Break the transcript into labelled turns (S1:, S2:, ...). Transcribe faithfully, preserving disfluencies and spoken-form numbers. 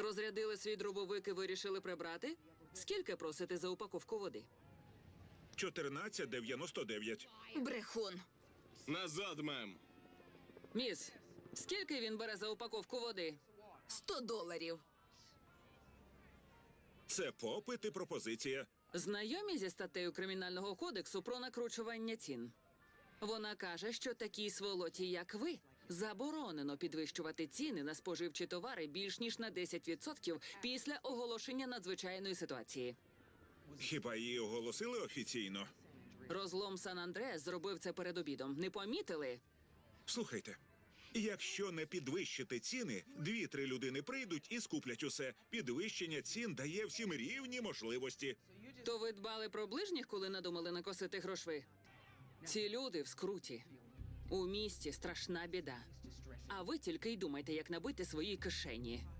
S1: Розрядили свій дробовик і вирішили прибрати? Скільки просите за упаковку води?
S2: чотирнадцять дев'яносто дев'ять.
S3: Брехун.
S4: Назад, мем.
S1: Міс, скільки він бере за упаковку води?
S3: Сто доларів.
S2: Це попит і пропозиція.
S1: Знайомі зі статтею Кримінального кодексу про накручування цін? Вона каже, що такій сволоті, як ви, заборонено підвищувати ціни на споживчі товари більш ніж на десять відсотків після оголошення надзвичайної ситуації.
S2: Хіба її оголосили офіційно?
S1: Розлом Сан-Андреас зробив це перед обідом. Не помітили?
S2: Слухайте, якщо не підвищити ціни, дві-три людини прийдуть і скуплять усе. Підвищення цін дає всім рівні можливості.
S1: То ви дбали про ближніх, коли надумали накосити грошви? Ці люди в скруті. У місті страшна біда. А ви тільки й думайте, як набити свої кишені.